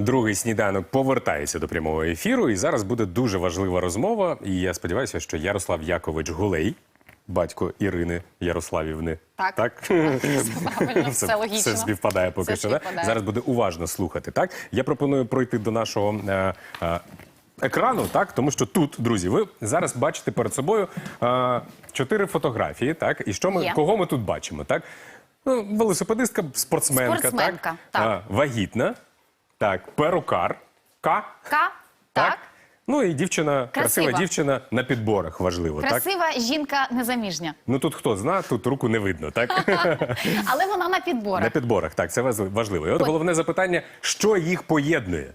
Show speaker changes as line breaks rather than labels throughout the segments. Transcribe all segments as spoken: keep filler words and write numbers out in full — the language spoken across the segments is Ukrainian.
Другий сніданок повертається до прямого ефіру, і зараз буде дуже важлива розмова. І я сподіваюся, що Ярослав Якович Гулей, батько Ірини Ярославівни.
Так.
Так?
Правильно, все логічно.
Все співпадає поки
Все
що. Да?
співпадає.
Зараз буде уважно слухати. Так? Я пропоную пройти до нашого е, е, екрану, так? Тому що тут, друзі, ви зараз бачите перед собою е, чотири фотографії. Так? І що ми,
Є.
кого ми тут бачимо? Так? Ну, велосипедистка, спортсменка,
Спортсменка,
так?
так.
А, вагітна, так, перукар, К,
Ка, так.
Ну і дівчина, красива,
Красива.
дівчина на підборах, важливо, так?
Красива жінка незаміжня.
Ну тут хто зна, тут руку не видно, так?
Але вона на підборах.
На підборах, так, це ваз- важливо. І от головне запитання, що їх поєднує?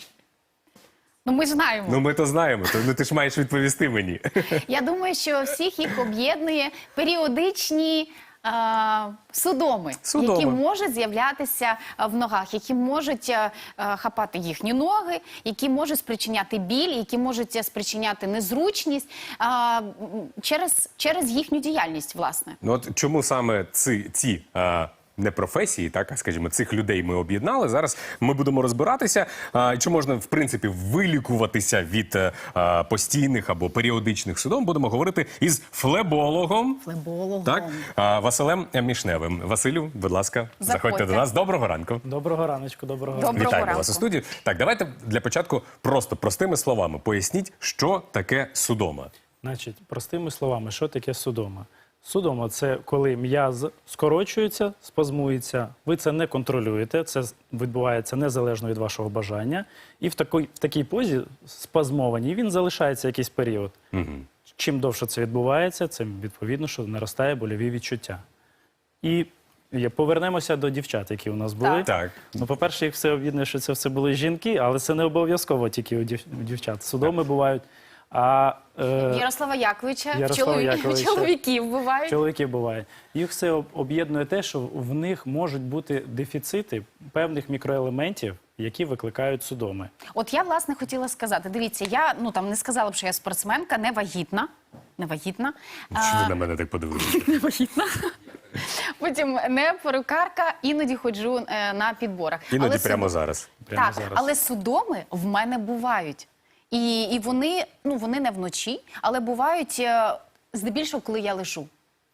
Ну ми ж знаємо.
Ну ми то знаємо, то ну, ти ж маєш відповісти мені.
Я думаю, що всіх їх об'єднує періодичні е, судоми,
Судоми.
які можуть з'являтися е, в ногах, які можуть е, е, хапати їхні ноги, які можуть спричиняти біль, які можуть е, спричиняти незручність е, м, через, через їхню діяльність, власне.
Ну от чому саме ці, ці а, не професії, так, а скажімо, цих людей ми об'єднали. Зараз ми будемо розбиратися, а, чи можна, в принципі, вилікуватися від а, постійних або періодичних судом. Будемо говорити із флебологом.
Флебологом.
Так, а, Василем Мішневим. Василю, будь ласка, заходьте,
Заходьте.
до нас. Доброго ранку.
Доброго раночку, доброго
Доброго
ранку.
Вітаємо
ранку.
вас у студії. Так, давайте для початку просто простими словами поясніть, що таке судома.
Значить, простими словами, що таке судома? Судома – це коли м'яз скорочується, спазмується, ви це не контролюєте, це відбувається незалежно від вашого бажання, і в такій, в такій позі спазмованій він залишається якийсь період.
Угу.
Чим довше це відбувається, цим відповідно, що наростає больові відчуття. І є- повернемося до дівчат, які у нас були.
Так.
Так.
Ну, по-перше, їх все об'єднує, що це все були жінки, але це не обов'язково тільки у дів- у дівчат. Судоми бувають. А е,
Ярослава Яковича,
Ярослава
чоловік-
Яковича.
чоловіків бувають.
чоловіки буває. Їх все об- об'єднує те, що в них можуть бути дефіцити певних мікроелементів, які викликають судоми.
От я, власне, хотіла сказати, дивіться, я, ну, там, не сказала б, що я спортсменка, не вагітна, не вагітна.
Що
А,
ви на мене так подивилися?
не вагітна. Потім не перукарка, іноді ходжу е, на підборах.
Іноді
Але
прямо
суд-
зараз.
Прямо
так,
зараз.
але судоми в мене бувають. І, і вони, ну, вони не вночі, але бувають е, здебільшого, коли я лежу.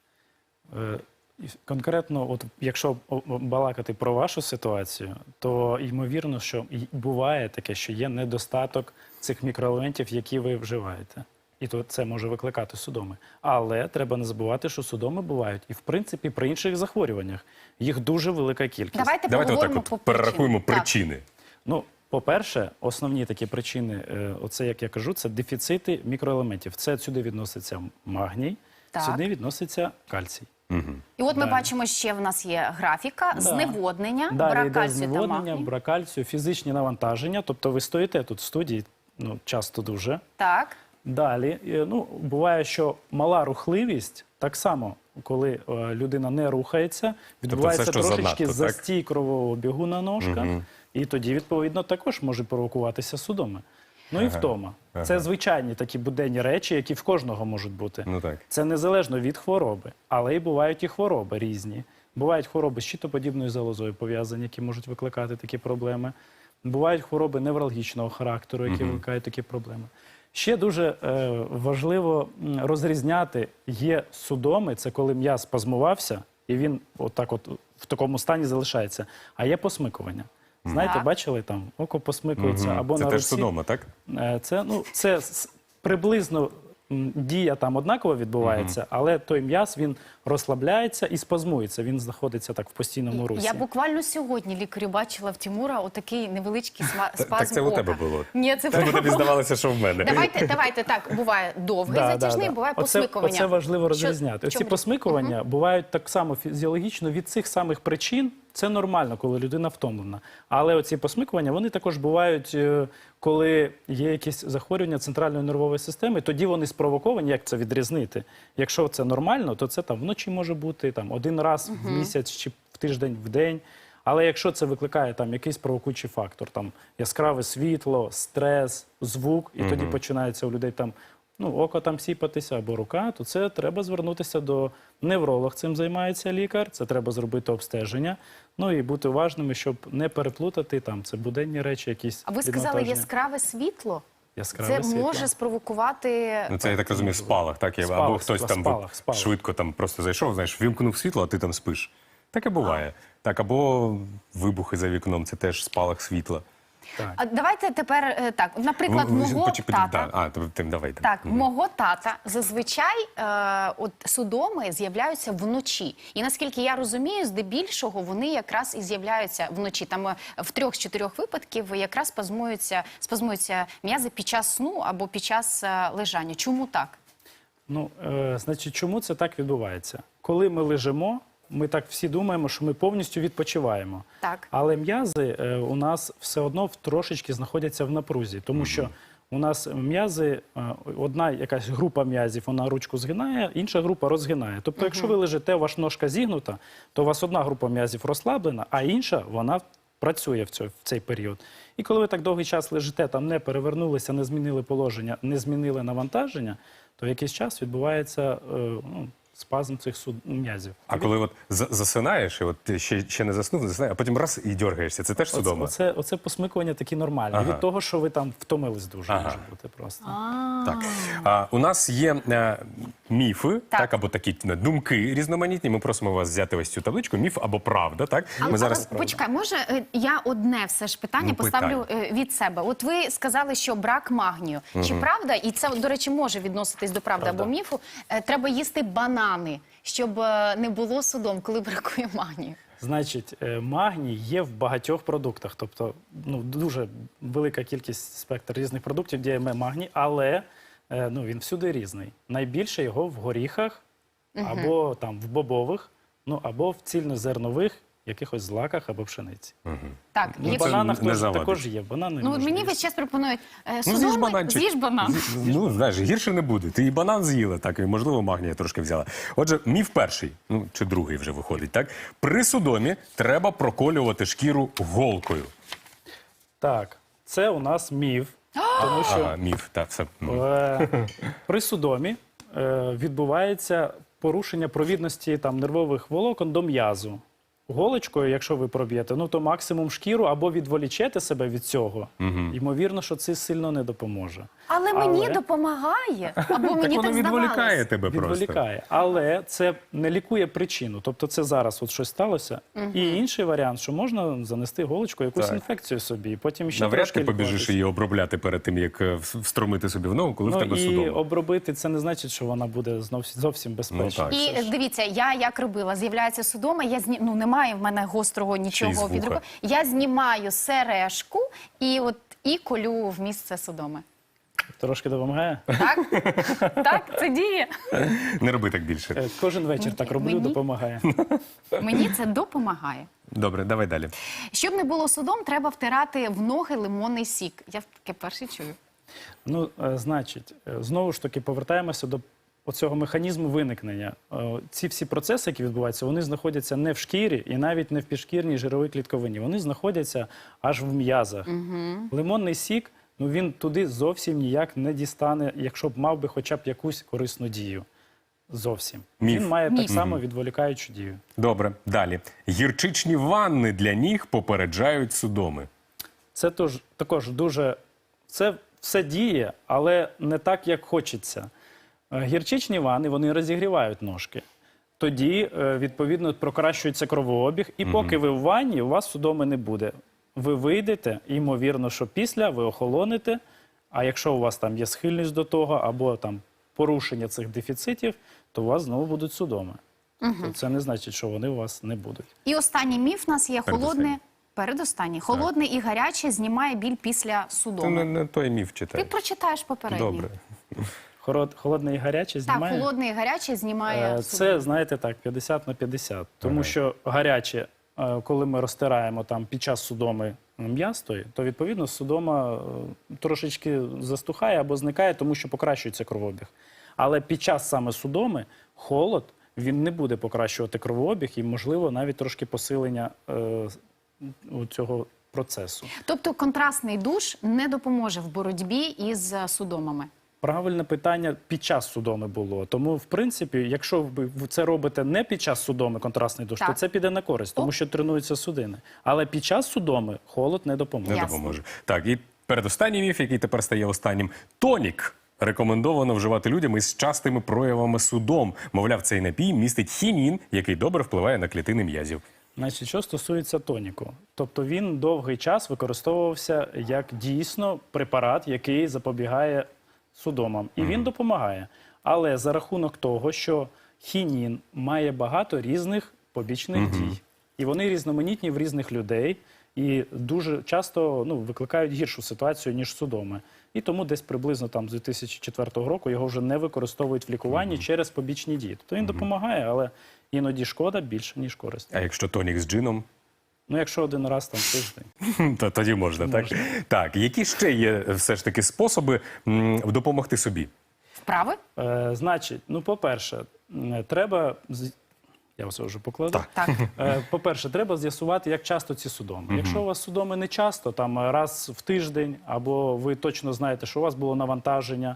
Е, і Конкретно, от якщо о- о- балакати про вашу ситуацію, то ймовірно, що й- буває таке, що є недостаток цих мікроелементів, які ви вживаєте. І то це може викликати судоми. Але треба не забувати, що судоми бувають і, в принципі, при інших захворюваннях. Їх дуже велика кількість.
Давайте,
Давайте отак
поговоримо
от
по
перерахуємо
причинам. Так.
причини.
Ну, по-перше, основні такі причини, е, оце, як я кажу, це дефіцити мікроелементів. Це сюди відноситься магній,
Так.
сюди відноситься кальцій.
І от ми
Да.
бачимо, ще в нас є графіка,
Да.
зневоднення,
Далі
брак
йде
кальцію та
зневоднення,
магнію.
брак кальцію, фізичні навантаження. Тобто ви стоїте тут в студії, ну, часто дуже.
Так.
Далі, е, ну, буває, що мала рухливість, так само, коли е, людина не рухається, відбувається
все, що
трошечки
занадто, так?
застій кровового бігу на ножках, і тоді, відповідно, також може провокуватися судоми. Ну і втома. Це звичайні такі буденні речі, які в кожного можуть бути.
Ну так.
Це незалежно від хвороби, але і бувають і хвороби різні. Бувають хвороби з щитоподібною залозою пов'язані, які можуть викликати такі проблеми. Бувають хвороби невралгічного характеру, які викликають такі проблеми. Ще дуже е, важливо м, розрізняти, є судоми, це коли м'яз спазмувався, і він отак от в такому стані залишається, а є посмикування. Знаєте,
Так.
бачили там, око посмикується, або
Це
на
теж
руці.
судома, так?
Е, Це, ну, це с- приблизно м, дія там однаково відбувається, але той м'яз, він розслабляється і спазмується, він знаходиться так в постійному русі.
Я буквально сьогодні лікарю бачила в Тимура отакий невеличкий сма- спазм
Так це у
ока.
тебе було.
Ні, це в
Тому
тебе
тобі
було.
здавалося, що в мене.
Давайте, давайте так, буває довгий
Да,
затяжний,
да, да.
буває
Оце,
посмикування.
оце важливо
Що-
розрізняти.
в
Оці
чому
посмикування бувають так само фізіологічно від цих самих причин. Це нормально, коли людина втомлена. Але оці посмикування, вони також бувають, е, коли є якісь захворювання центральної нервової системи, тоді вони спровоковані, як це відрізнити. Якщо це нормально, то це там вночі може бути там один раз в місяць чи в тиждень, в день. Але якщо це викликає там якийсь провокуючий фактор, там яскраве світло, стрес, звук, і тоді починається у людей там ну, око там сіпатися або рука, то це треба звернутися до невролог, цим займається лікар, це треба зробити обстеження, ну і бути уважними, щоб не переплутати там, це буденні речі якісь.
А ви сказали
віднавантаження.
яскраве світло?
Яскраве
Це
світло.
може спровокувати...
Ну, це, я так розумію, спалах, так? Я-
Спалах,
Або хтось там
спалах, спалах.
швидко там просто зайшов, знаєш, вімкнув світло, а ти там спиш. Таке буває. Так, або вибухи за вікном, це теж спалах світла.
Так.
А давайте тепер е, так, наприклад,
Ви- ви-
мого
почекай,
тата...
да. А, то ти давай.
Так, мого тата зазвичай е, от судоми з'являються вночі. І наскільки я розумію, здебільшого вони якраз і з'являються вночі. Там е, в трьох з чотирьох випадків якраз спазмуються, спазмуються м'язи під час сну або під час е, лежання. Чому так?
Ну, е, значить, чому це так відбувається? Коли ми лежимо, ми так всі думаємо, що ми повністю відпочиваємо.
Так.
Але м'язи е, у нас все одно в- трошечки знаходяться в напрузі, тому що у нас м'язи, е, одна якась група м'язів, вона ручку згинає, інша група розгинає. Тобто, якщо ви лежите, ваша ножка зігнута, то у вас одна група м'язів розслаблена, а інша, вона працює в, цьо- в цей період. І коли ви так довгий час лежите, там не перевернулися, не змінили положення, не змінили навантаження, то в якийсь час відбувається е, ну, спазм цих суд... м'язів.
А коли от за- засинаєш, і от ти ще, ще не заснув, засинаєш, а потім раз і дергаєшся, це теж
Оце,
судома?
оце, оце посмикування такі нормальні.
Ага.
Від того, що ви там втомились дуже,
Ага.
може бути просто.
Так. А, у нас є е, міфи, так.
Так.
або такі е, думки різноманітні. Ми просимо вас взяти ось цю табличку. Міф або правда, так?
Але,
Ми зараз...
але почекай, може е, я одне все ж питання
Ну,
поставлю е, від себе. От ви сказали, що брак магнію. Чи правда, і це, до речі, може відноситись до правди
Правда.
або міфу, е, треба їсти банани, щоб е, не було судом, коли бракує магнію?
Значить, е, магній є в багатьох продуктах. Тобто, ну, дуже велика кількість спектр різних продуктів, де є магній, але е, ну, він всюди різний. Найбільше його в горіхах, або там в бобових, ну, або в цільнозернових якихось злаках або пшениці.
Так,
Ну,
В
якщо-
це
бананах
не
теж,
завадить.
також є. Банани
ну,
можна
мені
їсти.
весь час пропонують е,
Ну, з'їж
судоми,
бананчик.
з'їж банан.
З'їж- Ну, знаєш, гірше не буде. Ти і банан з'їла, так, і, можливо, магнія трошки взяла. Отже, міф перший, ну, чи другий вже виходить, так? При судомі треба проколювати шкіру голкою.
Так, це у нас міф, тому що
Ага, міф, так, все. М.
Е, При судомі е, відбувається порушення провідності там, нервових волокон до м'язу. Голочкою, якщо ви проб'єте, ну то максимум шкіру або відволічете себе від цього. Ймовірно, що це сильно не допоможе.
Але мені
Але-
допомагає, або
Так
мені
воно
так
відволікає
здавалось.
тебе просто.
Відволікає. Але це не лікує причину. Тобто це зараз от щось сталося. І інший варіант, що можна занести голочкою якусь
Так.
інфекцію собі, і потім ще
Навряд
трошки
ти побіжиш
лікуватися.
її обробляти перед тим, як е, в- встромити собі в ногу, коли в
Ну
тебе
і
судома.
обробити це не значить, що вона буде знов зовсім безпечна.
так.
І е, дивіться, я як робила, з'являється судома, я зні... ну немає в мене гострого
Ще й з
нічого
вуха.
під рукою. Я знімаю сережку і от і колю в місце судоми.
Трошки допомагає.
Так? Так, це діє.
Не роби так більше.
Е, Кожен вечір так роблю,
Мені?
допомагає.
Мені це допомагає.
Добре, давай далі.
Щоб не було судом, треба втирати в ноги лимонний сік. Я таке перше чую.
Ну, е, значить, е, знову ж таки повертаємося до оцього механізму виникнення. Е, Ці всі процеси, які відбуваються, вони знаходяться не в шкірі і навіть не в підшкірній жировій клітковині. Вони знаходяться аж в м'язах. Лимонний сік, ну він туди зовсім ніяк не дістане, якщо б мав би хоча б якусь корисну дію. Зовсім.
Міф.
Він має
Міф.
так само відволікаючу дію.
Добре, далі. Гірчичні ванни для ніг попереджають судоми.
Це тож, також дуже. Це все діє, але не так, як хочеться. Е, Гірчичні ванни, вони розігрівають ножки. Тоді, е, відповідно, покращується кровообіг, і поки ви в ванні, у вас судоми не буде. Ви вийдете, і, ймовірно, що після ви охолоните, а якщо у вас там є схильність до того, або там порушення цих дефіцитів, то у вас знову будуть судоми. Тобто це не значить, що вони у вас не будуть.
І останній міф у нас є
Передостанній.
холодне. Передостанній. Холодне і гаряче знімає біль після
Ти
судоми.
не, не той міф
Ти
читай.
прочитаєш попередній.
Добре.
Хород- Холодне і гаряче
Так,
знімає?
холодне і гаряче знімає
Е,
судоми.
Це, знаєте, так, п'ятдесят на п'ятдесят. Тому що гаряче, е, коли ми розтираємо там під час судоми м'ястої, то відповідно судома е, трошечки застухає або зникає, тому що покращується кровообіг. Але під час саме судоми холод, він не буде покращувати кровообіг і, можливо, навіть трошки посилення е, у цього процесу.
Тобто контрастний душ не допоможе в боротьбі із е, судомами.
Правильне питання під час судоми було. Тому, в принципі, якщо ви це робите не під час судоми, контрастний душ,
Так.
то це піде на користь, тому
О.
що тренуються судини. Але під час судоми холод не допоможе.
Не
Ясно.
допоможе. Так, і передостанній міф, який тепер стає останнім. Тонік рекомендовано вживати людям із частими проявами судом. Мовляв, цей напій містить хінін, який добре впливає на клітини м'язів.
Значить, що стосується тоніку, тобто він довгий час використовувався як дійсно препарат, який запобігає судомам. І він допомагає. Але за рахунок того, що хінін має багато різних побічних дій. І вони різноманітні в різних людей. І дуже часто ну, викликають гіршу ситуацію, ніж судоми. І тому десь приблизно там з дві тисячі четвертого року його вже не використовують в лікуванні через побічні дії. Тобто він допомагає, але іноді шкода більше, ніж користь.
А якщо тонік з джином,
Ну, якщо один раз там тиждень.
то тоді можна, так? Так, які ще є все ж таки способи м, допомогти собі?
Вправи?
Е, значить, ну, по-перше, м, треба... з- Я все вже покладу.
Так.
Так.
Е, По-перше, треба з'ясувати, як часто ці судоми. Якщо у вас судоми не часто, там раз в тиждень, або ви точно знаєте, що у вас було навантаження,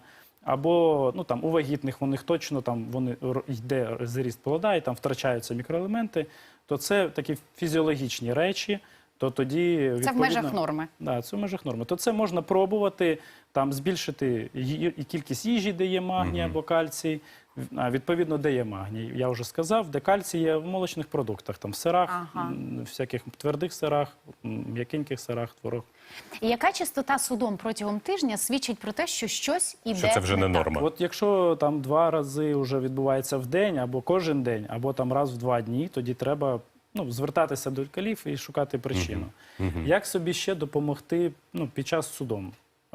або ну, там, у вагітних у них точно там, вони, р- йде зріст плода і там втрачаються мікроелементи, то це такі фізіологічні речі, то тоді,
Це в
відповідно,
межах норми.
Да, це в межах норми. То це можна пробувати, там, збільшити ї- і кількість їжі, де є магній або кальцій. А, відповідно, де є магній. Я вже сказав, де кальцій є в молочних продуктах, там, в сирах,
Ага.
м, всяких твердих сирах, м, м'якеньких сирах, творог.
І яка частота судом протягом тижня свідчить про те, що щось іде
Що це вже не
так?
норма?
От якщо там два рази вже відбувається в день, або кожен день, або там раз в два дні, тоді треба ну, звертатися до лікарів і шукати причину. Як собі ще допомогти ну, під час судому?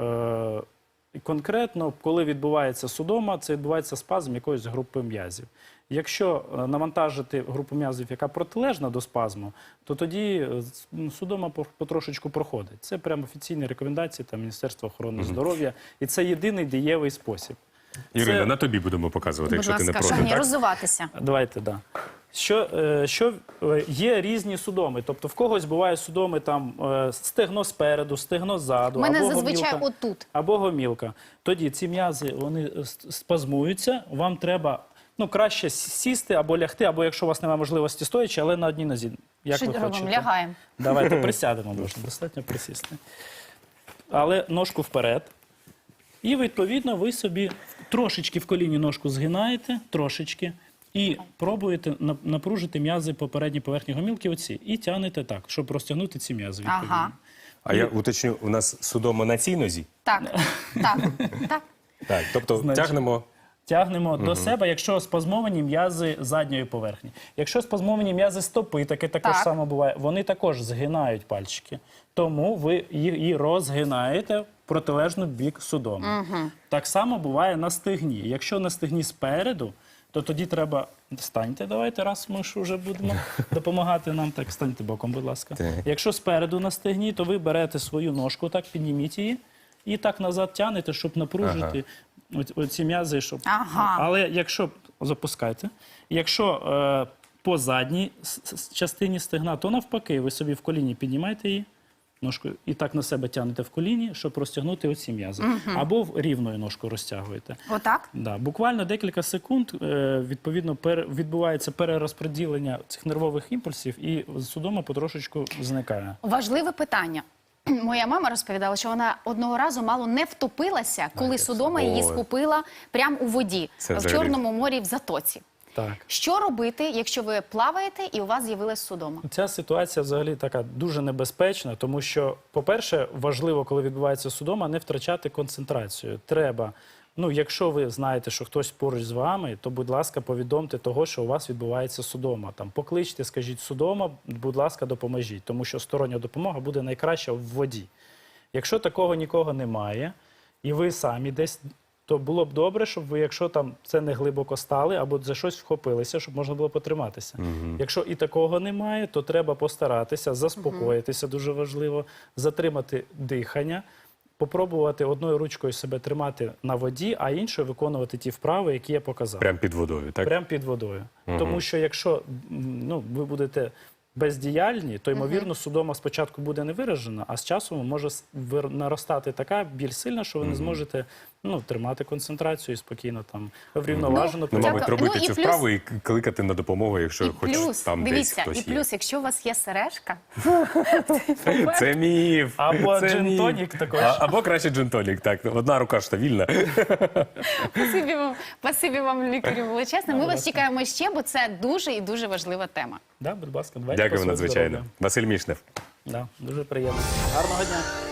Е, конкретно, коли відбувається судома, це відбувається спазм якоїсь групи м'язів. Якщо е, навантажити групу м'язів, яка протилежна до спазму, то тоді е, с- ну, судома по- потрошечку проходить. Це прямо офіційні рекомендації там, Міністерства охорони здоров'я. І це єдиний дієвий спосіб.
Ірина,
Це-
на тобі будемо показувати,
Будь
якщо ти не
ласка,
проти.
шановні,
Так?
розвиватися.
Давайте, да. Що, е, що е, є різні судоми. Тобто в когось бувають судоми там е, стегно спереду, стегно ззаду,
У мене
або
зазвичай
гомілка,
отут.
або гомілка. Тоді ці м'язи вони е, с- спазмуються. Вам треба ну краще с- сісти або лягти, або якщо у вас немає можливості стоячи, але на одній нозі. Як
Що
ви
робимо?
хочете?
Лягаємо.
Давайте присядемо, можна достатньо присісти. Але ножку вперед. І, відповідно, ви собі трошечки в коліні ножку згинаєте, трошечки, і пробуєте на- напружити м'язи по передній поверхні гомілки оці. І тягнете так, щоб розтягнути ці м'язи, відповідно.
Ага.
А я уточню, у нас судома на цій нозі?
Так, так, так.
Так, тобто
Значить,
тягнемо.
Тягнемо до себе, якщо спазмовані м'язи задньої поверхні. Якщо спазмовані м'язи стопи, таке також
Так.
само буває, вони також згинають пальчики. Тому ви її розгинаєте в протилежну бік судому. Так само буває на стегні. Якщо на стегні спереду, то тоді треба... Станьте, давайте, раз ми ж вже будемо допомагати нам. Так, станьте боком, будь ласка.
Так.
Якщо спереду на стегні, то ви берете свою ножку, так, підніміть її і так назад тягнете, щоб напружити оці- оці м'язи, щоб...
Ага.
Але якщо запускайте, якщо е, по задній с- с- частині стегна, то навпаки, ви собі в коліні піднімаєте її ножкою і так на себе тягнете в коліні, щоб розтягнути оці м'язи. Або в рівною ножкою розтягуєте.
Отак?
Да, буквально декілька секунд е, відповідно пере, відбувається перерозподілення цих нервових імпульсів, і судома потрошечку зникає.
Важливе питання. Моя мама розповідала, що вона одного разу мало не втопилася, коли судома її
Ой.
схопила прямо у воді
Це
в
взагалі.
Чорному морі в Затоці.
Так.
Що робити, якщо ви плаваєте і у вас з'явилась судома?
Ця ситуація взагалі така дуже небезпечна, тому що, по-перше, важливо, коли відбувається судома, не втрачати концентрацію. Треба, ну, якщо ви знаєте, що хтось поруч з вами, то, будь ласка, повідомте того, що у вас відбувається судома. Там, покличте, скажіть судома, будь ласка, допоможіть, тому що стороння допомога буде найкраща в воді. Якщо такого нікого немає, і ви самі десь, то було б добре, щоб ви, якщо там це не глибоко стали, або за щось вхопилися, щоб можна було потриматися. Якщо і такого немає, то треба постаратися, заспокоїтися, дуже важливо, затримати дихання, попробувати одною ручкою себе тримати на воді, а іншою виконувати ті вправи, які я показав.
Прямо під водою, так?
Прямо під водою. Тому що якщо м, ну, ви будете бездіяльні, то, ймовірно, судома спочатку буде не виражена, а з часом може с- вир- наростати така біль сильна, що ви не зможете ну, тримати концентрацію і спокійно там врівноважено.
Ну, мабуть,
Дякую.
робити
Ну, і
цю
плюс-
вправу і кликати на допомогу, якщо
І
хоч
плюс,
там десь
дивіться,
хтось
і
є.
плюс, якщо у вас є сережка,
Це міф.
Або
Це
джин-тонік
міф.
також.
А- Або краще джин-тонік, так. Одна рука ж та вільна.
спасибі вам, спасибі вам, лікарю, величезне. Ми
будь
вас
ласка.
чекаємо ще, бо це дуже і дуже важлива тема.
Да, будь ласка, давайте
Дякую
по своєму
надзвичайно.
здоров'ю.
Василь Мішнев.
Да, дуже приємно. Гарного дня.